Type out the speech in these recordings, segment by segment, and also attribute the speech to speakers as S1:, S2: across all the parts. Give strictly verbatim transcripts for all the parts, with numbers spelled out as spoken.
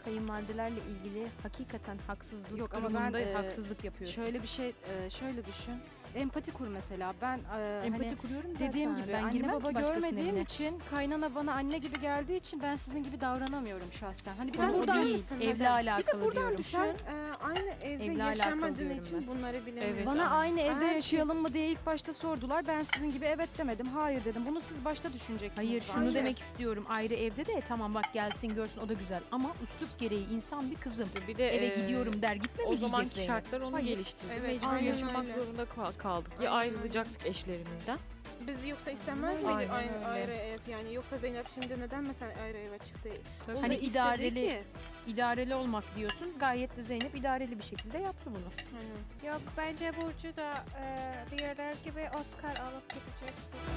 S1: kayınvalidelerle ilgili hakikaten haksızlık
S2: Yok ama
S1: durumunda
S2: ben, e,
S1: haksızlık yapıyorsun.
S2: Şöyle bir şey, e, şöyle düşün. Empati kur mesela. Ben e,
S1: Empati
S2: hani
S1: kuruyorum zaten.
S2: dediğim gibi
S1: ben
S2: anne
S1: girmem
S2: baba
S1: ki başkasının
S2: görmediğim
S1: evine.
S2: için kaynana bana anne gibi geldiği için ben sizin gibi davranamıyorum şahsen. Hani bir
S1: Sen
S2: de
S1: o
S2: buradan
S1: değil,
S3: mısın?
S1: evle
S3: Neden?
S1: alakalı
S3: Buradan
S1: diyorum.
S3: düşün. Sen e, aynı evde
S1: Evle alakalı
S3: yaşamadığın
S1: diyorum
S3: için
S1: ben.
S3: bunları bilemiyorsun.
S1: Evet.
S2: bana aynı evde
S3: Eğer ki-
S2: yaşayalım mı diye ilk başta sordular. Ben sizin gibi evet demedim, hayır dedim. Bunu siz başta düşünecektiniz.
S1: Hayır şunu
S2: bence.
S1: demek istiyorum. Ayrı evde de tamam bak gelsin görsün o da güzel. Ama üslup gereği insan bir kızım.
S4: Bir de
S1: Eve
S4: e,
S1: gidiyorum der gitme mi
S4: o
S1: diyecek
S4: zamanki
S1: Zeynep?
S4: şartlar onu
S2: Hayır.
S4: geliştirdi.
S3: Evet,
S4: Mecbur
S3: aynen
S4: yaşamak
S3: öyle.
S4: zorunda kal- kaldık. Ya
S3: Aynen
S4: ayrılacaktık eşlerimizden.
S3: Biz yoksa istemez
S4: Aynen
S3: miydik aynı
S4: öyle.
S3: ayrı ev yani? Yoksa Zeynep şimdi neden mesela ayrı eve çıktı?
S4: Tabii.
S3: O
S1: Hani
S3: da istedi
S1: idareli-
S3: ki.
S1: İdareli olmak diyorsun. Gayet de Zeynep idareli bir şekilde yaptı bunu.
S3: Aynen.
S5: Yok bence Burcu da e, diğerler gibi Oscar alıp gidecek.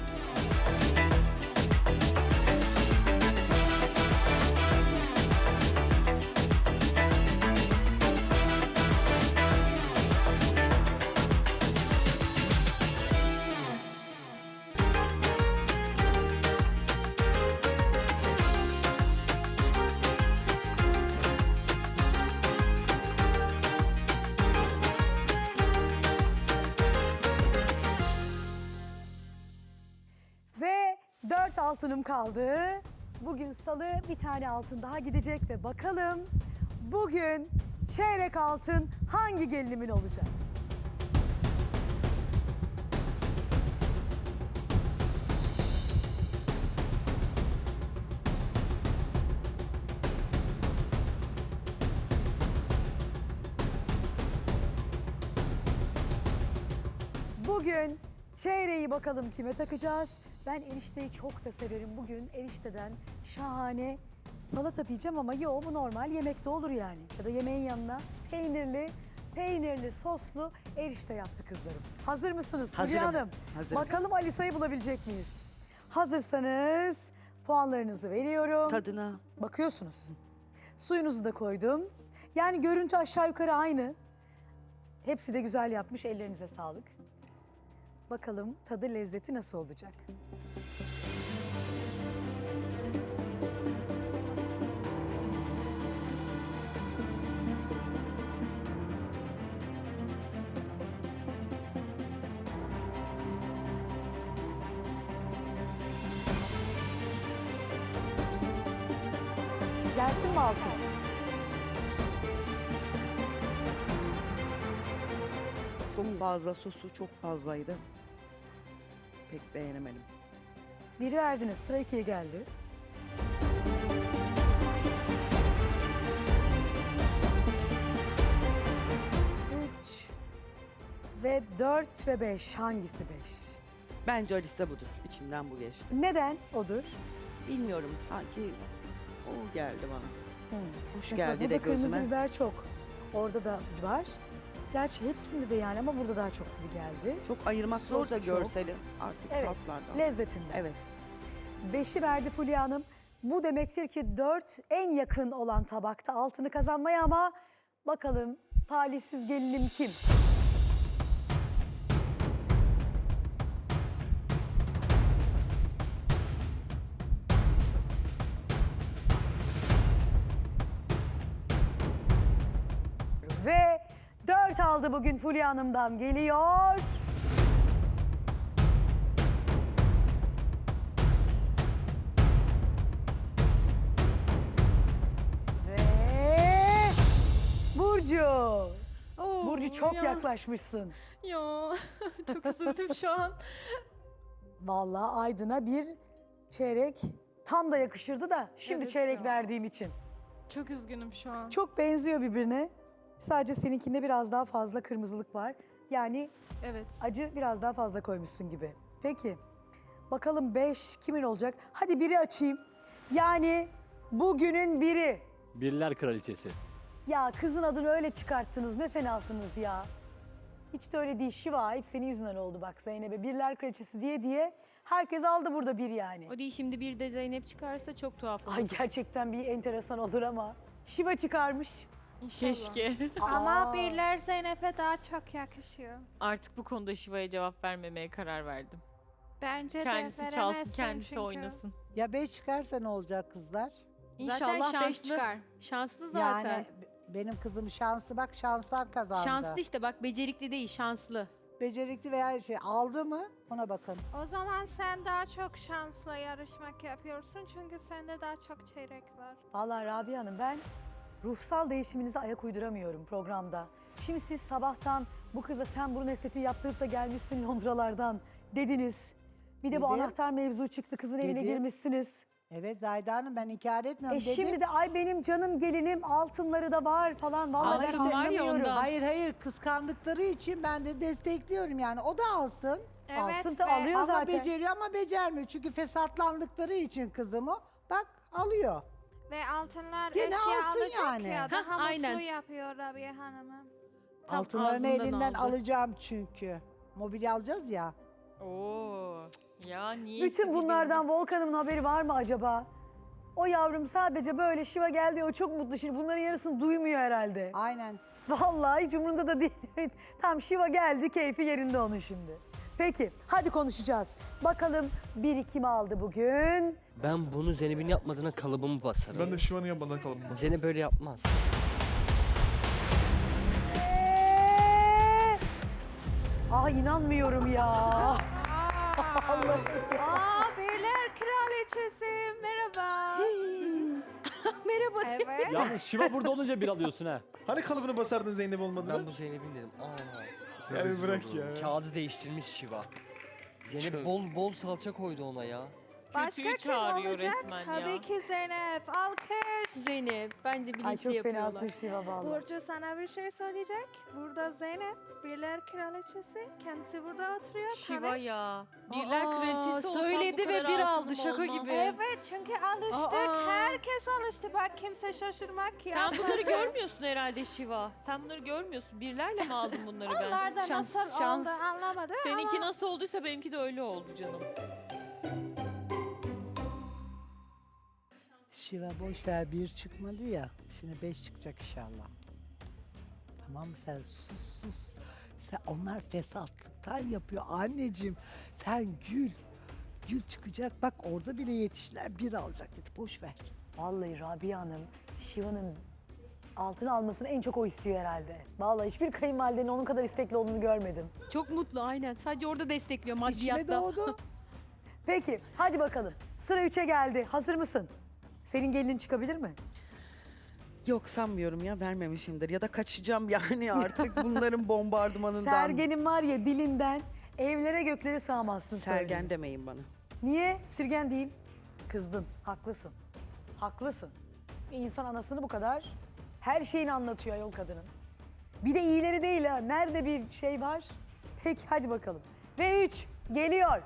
S6: Ve dört altınım kaldı. Bugün salı bir tane altın daha gidecek ve bakalım bugün çeyrek altın hangi gelinimin olacak? Bugün çeyreği bakalım kime takacağız? Ben erişteyi çok da severim. Bugün erişteden şahane salata diyeceğim ama yok bu normal yemekte olur yani. Ya da yemeğin yanına peynirli, peynirli soslu erişte yaptı kızlarım. Hazır mısınız Fulya
S7: Hazırım,
S6: Hanım?
S7: hazırım.
S6: Bakalım Alisa'yı bulabilecek miyiz? Hazırsanız puanlarınızı veriyorum.
S7: Tadına.
S6: Bakıyorsunuz. Suyunuzu da koydum. Yani görüntü aşağı yukarı aynı. Hepsi de güzel yapmış. Ellerinize sağlık. Bakalım tadı lezzeti nasıl olacak? Gelsin mi altın?
S7: Çok fazla sosu çok fazlaydı. Pek beğenemedim.
S6: Biri verdiniz, sıra ikiye geldi. Üç ve dört ve beş. Hangisi beş?
S7: Bence Alisa budur. İçimden bu geçti.
S6: Neden odur?
S7: Bilmiyorum sanki o geldi bana.
S6: Hmm.
S7: Hoş
S6: Mesela
S7: geldi
S6: burada
S7: de
S6: kırmızı
S7: gözüme.
S6: biber çok. Orada da var. Gerçi hepsinde de yani ama burada daha çok gibi geldi.
S7: Çok ayırmak zor
S6: Sos
S7: da
S6: çok.
S7: görseli artık
S6: Evet,
S7: tatlardan.
S6: lezzetinden.
S7: Evet.
S6: Beşi verdi Fulya Hanım. Bu demektir ki dört en yakın olan tabakta altını kazanmaya ama bakalım talihsiz gelinim kim? Ve dört aldı bugün Fulya Hanım'dan geliyor. Ve Burcu.
S3: Oo,
S6: Burcu çok
S3: ya.
S6: yaklaşmışsın.
S3: Ya çok üzüldüm şu an.
S6: Vallahi Aydın'a bir çeyrek tam da yakışırdı da şimdi
S3: Evet
S6: çeyrek
S3: ya.
S6: verdiğim için.
S3: Çok üzgünüm şu an.
S6: Çok benziyor birbirine. Sadece seninkinde biraz daha fazla kırmızılık var. Yani
S3: Evet.
S6: acı biraz daha fazla koymuşsun gibi. Peki. Bakalım beş kimin olacak? Hadi biri açayım. Yani bugünün biri.
S8: Birler Kraliçesi.
S6: Ya kızın adını öyle çıkarttınız. Ne fenasınız ya. Hiç de öyle değil. Şiva hep senin yüzünden oldu bak Zeynep'e. Birler Kraliçesi diye diye herkes aldı burada bir yani.
S1: O değil şimdi bir de Zeynep çıkarsa çok tuhaf olur.
S6: Ay gerçekten bir enteresan olur ama. Şiva çıkarmış.
S3: İnşallah.
S4: Keşke.
S5: Ama birler Zeynep'e daha çok yakışıyor.
S4: Artık bu konuda Şiva'ya cevap vermemeye karar verdim.
S5: Bence
S4: Kendisi
S5: de
S4: çalsın,
S5: veremezsin
S4: kendisi
S5: çünkü.
S4: oynasın.
S9: Ya beş çıkarsa ne olacak kızlar?
S3: İnşallah beş
S1: şanslı.
S3: çıkar.
S1: Şanslı zaten.
S8: Yani benim kızım şanslı, bak şanstan kazandı.
S1: Şanslı işte bak, becerikli değil, şanslı.
S8: Becerikli veya şey aldı mı ona bakın.
S5: O zaman sen daha çok şansla yarışmak yapıyorsun çünkü sende daha çok çeyrek var.
S6: Vallahi Rabia Hanım, ben ruhsal değişiminize ayak uyduramıyorum programda. Şimdi siz sabahtan bu kıza sen burun estetiği yaptırıp da gelmişsin Londralardan dediniz. Bir de bu
S8: Dedim.
S6: anahtar mevzu çıktı, kızın evine
S8: Dedim.
S6: girmişsiniz.
S8: Evet Zayda Hanım, ben inkar etmiyorum
S6: E
S8: dedim.
S6: şimdi de ay benim canım gelinim altınları da var falan. Vallahi
S1: Altın
S6: ben
S1: var ya
S6: anlamıyorum.
S1: ondan.
S8: Hayır hayır, kıskandıkları için ben de destekliyorum yani. O da alsın.
S6: Alsın da
S5: ve-
S6: alıyor
S8: ama
S6: zaten.
S8: beceriyor ama becermiyor. Çünkü fesatlandıkları için kızımı bak alıyor.
S5: Ve altınlar
S8: Gene
S5: eşya
S8: alsın
S5: alacak
S8: yani.
S5: ya.
S1: Hah,
S5: Daha
S1: aynen.
S5: mutlu yapıyor Rabia Hanım'ı.
S1: Tam
S8: Altınlarını
S1: ağzından
S8: elinden
S1: aldı.
S8: alacağım çünkü. Mobilya alacağız ya.
S4: Oo. Ya niye?
S6: Bütün
S4: ki
S6: bunlardan Volkan'ın haberi var mı acaba? O yavrum sadece böyle Şiva geldi, o çok mutlu. Şimdi bunların yarısını duymuyor herhalde.
S8: Aynen.
S6: Vallahi hiç umurunda da değil. Tam Şiva geldi, keyfi yerinde onun şimdi. Peki, hadi konuşacağız. Bakalım biri kim aldı bugün?
S9: Ben bunu Zeynep'in yapmadığına kalıbımı basarım.
S10: Ben de Şivan'ın yapmadan kalıbım var.
S9: Zeynep böyle yapmaz.
S6: Ee! Aa inanmıyorum ya. Allah'ım.
S5: Aa, Birler Kraliçesi merhaba.
S1: Merhaba.
S5: Evet.
S11: Yalnız Şiva burada olunca bir alıyorsun ha.
S10: Hani kalıbını basardın Zeynep olmadığını?
S9: Ben bu Zeynep'in dedim. Aa.
S10: Ya bir
S9: rezil
S10: bırak
S9: oldu.
S10: ya.
S9: Kağıdı değiştirmiş Şiva. Zeynep bol bol salça koydu ona ya.
S5: Başka
S4: Kötüyü
S5: kim
S4: çağırıyor
S5: olacak?
S4: resmen
S5: Tabii
S4: ya.
S5: ki Zeynep. Alkış.
S1: Zeynep bence bilinçli
S6: Ay çok
S1: yapıyorlar.
S6: fenasın Şiva vallahi.
S5: Burcu sana bir şey söyleyecek. Burada Zeynep, Birler Kraliçesi. Kendisi burada oturuyor.
S4: Şiva
S5: tanış.
S4: ya. Birler
S3: Aa,
S4: kraliçesi olsam
S3: söyledi
S4: bu
S3: ve
S4: kadar
S3: bir
S4: altınım
S3: aldı, şaka
S4: olmaz.
S3: gibi.
S5: Evet çünkü alıştık.
S3: Aa.
S5: Herkes alıştı. Bak kimse şaşırmak
S4: Sen
S5: yapmadı.
S4: bunları görmüyorsun herhalde Şiva. Sen bunları görmüyorsun. Birlerle mi aldın bunları ben?
S5: Onlar da
S3: Şans,
S5: nasıl
S3: şans.
S5: oldu anlamadı
S4: Seninki
S5: ama
S4: nasıl olduysa benimki de öyle oldu canım.
S8: Şiva boş ver, bir çıkmadı ya. Şimdi beş çıkacak inşallah. Tamam mı, sen sus sus. Sen, onlar fesatlıktan yapıyor anneciğim. Sen gül. Gül çıkacak, bak orada bile yetiştiler, bir alacak dedi, boş ver.
S6: Vallahi Rabia Hanım, Şiva'nın altın almasını en çok o istiyor herhalde. Vallahi hiçbir kayınvalidenin onun kadar istekli olduğunu görmedim.
S1: Çok mutlu aynen. Sadece orada destekliyor
S8: İçime
S1: maddiyatta.
S8: doğdu.
S6: Peki, hadi bakalım. Sıra üçe geldi. Hazır mısın? Senin gelinin çıkabilir mi?
S7: Yok sanmıyorum ya, vermemişimdir. Ya da kaçacağım yani artık bunların bombardımanından.
S6: Sergen'in var ya dilinden evlere göklere sığamazsın. söyleyeyim.
S7: Sergen demeyin bana.
S6: Niye? Sirgen değil. Kızdın. Haklısın. Haklısın. Bir insan anasını bu kadar her şeyini anlatıyor ayol kadının. Bir de iyileri değil ha. Nerede bir şey var? Peki hadi bakalım. Ve üç geliyor.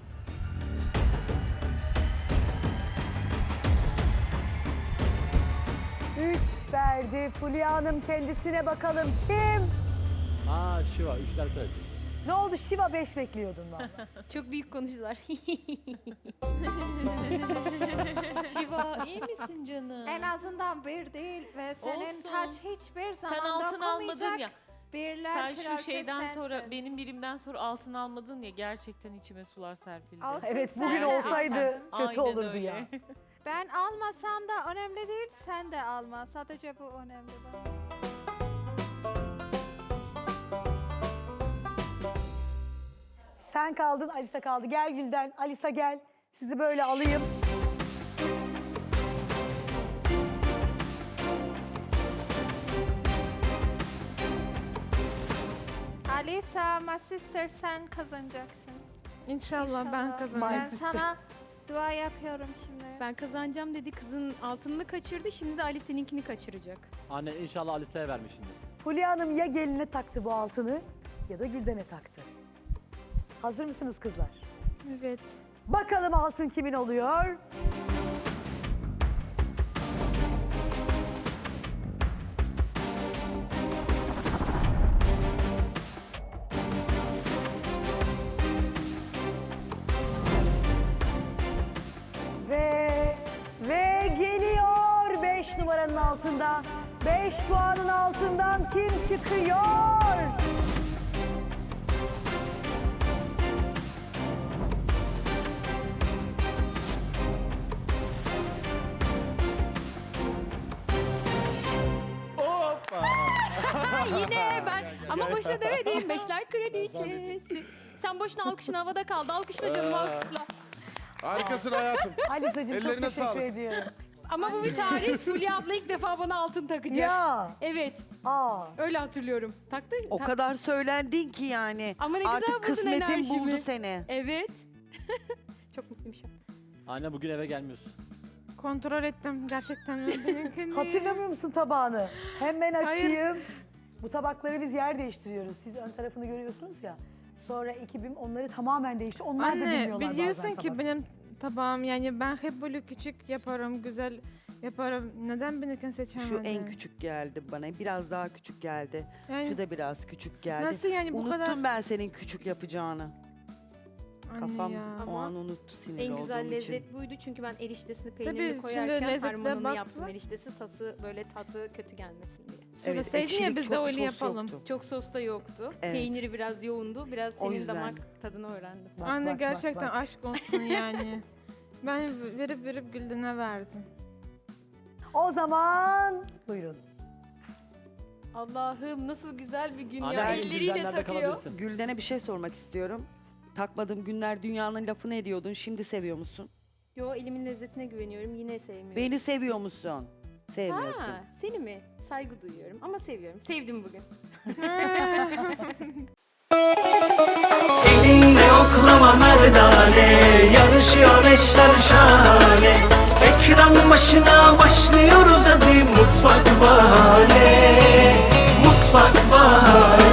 S6: Üç verdi. Fulya Hanım kendisine bakalım. Kim?
S11: Aa Şiva, üçler kraliçesi.
S6: Ne oldu? Şiva beş bekliyordun valla.
S1: Çok büyük konuştular.
S4: Şiva iyi misin canım?
S5: en azından bir değil ve senin
S4: Olsun.
S5: taç hiçbir zaman
S4: Sen altın almadın ya.
S5: dokunmayacak. Birler
S4: Sen şu
S5: Kraliçesi
S4: şeyden
S5: sensin.
S4: sonra benim birimden sonra altın almadın ya, gerçekten içime sular serpildi.
S5: Olsun,
S6: Evet
S5: sen
S6: bugün
S5: de
S6: olsaydı
S5: al.
S6: kötü
S4: Aynen
S6: olurdu
S4: öyle.
S6: ya.
S5: Ben almasam da önemli değil, sen de alma. Sadece bu önemli bana.
S6: Sen kaldın, Alisa kaldı. Gel Gülden, Alisa gel. Sizi böyle alayım.
S5: Alisa, my sister sen kazanacaksın.
S3: İnşallah, ben
S5: İnşallah.
S3: kazanırım.
S6: My
S5: Ben
S6: sister.
S5: sana dua yapıyorum şimdi.
S1: Ben kazanacağım dedi. Kızın altınını kaçırdı. Şimdi de Ali seninkini kaçıracak.
S11: Anne inşallah Alice'ye vermişsindir.
S6: Fulya Hanım ya geline taktı bu altını ya da Gülden'e taktı. Hazır mısınız kızlar?
S3: Evet.
S6: Bakalım altın kimin oluyor? Ve ve geliyor beş numaranın altında. beş puanın altından kim çıkıyor?
S1: yine ben. Ama boşuna demedim. Beşler kraliçesi. Sen boşuna alkışın havada kaldı. Alkışla canım alkışla.
S10: Harikasın hayatım.
S6: Alisa'cığım çok
S10: Ellerine
S6: teşekkür
S10: sağlık.
S6: ediyorum.
S1: Ama bu bir tarih. Fulya abla ilk defa bana altın takacak.
S6: Ya.
S1: Evet.
S6: Aa.
S1: Öyle hatırlıyorum. Taktı.
S7: O
S1: tak-
S7: kadar söylendin ki yani.
S1: Ama ne güzel
S7: Artık
S1: buldun
S7: kısmetin
S1: enerjimi.
S7: buldu seni.
S1: Evet. Çok mutluyum şu an.
S11: Anne bugün eve gelmiyorsun.
S3: Kontrol ettim gerçekten. benimkini.
S6: Hatırlamıyor musun tabağını? Hemen
S3: Hayır.
S6: açayım. Bu tabakları biz yer değiştiriyoruz. Siz ön tarafını görüyorsunuz ya. Sonra ekibim onları tamamen değişti. Onlar da
S3: Anne
S6: bilmiyorlar
S3: biliyorsun
S6: bazen
S3: ki
S6: tabak.
S3: benim tabağım yani ben hep böyle küçük yaparım, güzel yaparım. Neden benimkini seçemedin?
S7: Şu en küçük geldi bana. Biraz daha küçük geldi.
S3: Yani
S7: Şu da biraz küçük geldi.
S3: nasıl yani bu
S7: Unuttum
S3: kadar?
S7: ben senin küçük yapacağını.
S3: Anne
S7: Kafam
S3: ya.
S7: o
S1: Ama
S7: an unuttu sinirli
S1: En güzel
S7: olduğum
S1: lezzet
S7: için.
S1: buydu çünkü ben eriştesini
S3: Tabii,
S1: peynirli
S3: şimdi
S1: koyarken
S3: lezzete
S1: harmanını
S3: baktılar.
S1: yaptım eriştesi sası böyle tadı kötü gelmesin diye.
S7: Evet,
S3: Söyleseydin ya
S7: ekşilik
S3: biz de
S7: çok,
S3: öyle
S7: sos
S3: yapalım.
S7: yoktu.
S1: Çok sos da yoktu.
S7: Evet.
S1: Peyniri biraz yoğundu. Biraz
S7: O
S1: senin
S7: yüzden.
S1: damak tadını öğrendim.
S6: Bak,
S3: Anne
S6: bak, bak,
S3: gerçekten
S6: bak.
S3: aşk olsun yani. Ben verip verip Gülden'e verdim.
S6: O zaman buyurun.
S1: Allah'ım nasıl güzel bir gün
S11: Anne
S1: ya.
S11: bugün
S1: Elleriyle
S11: Güldenler'de
S1: takıyor.
S11: kalabilirsin.
S7: Gülden'e bir şey sormak istiyorum. Takmadığım günler dünyanın lafını ediyordun. Şimdi seviyor musun?
S1: Yo elimin lezzetine güveniyorum. Yine sevmiyorum.
S7: Beni seviyor musun? Sevmiyorsun.
S1: Ha, seni mi? Saygı duyuyorum ama seviyorum. Sevdim bugün.
S12: Elinle oklama merdane, yarışıyor eşler şahane. Ekran başına başlıyoruz hadi Mutfak Bahane, Mutfak Bahane.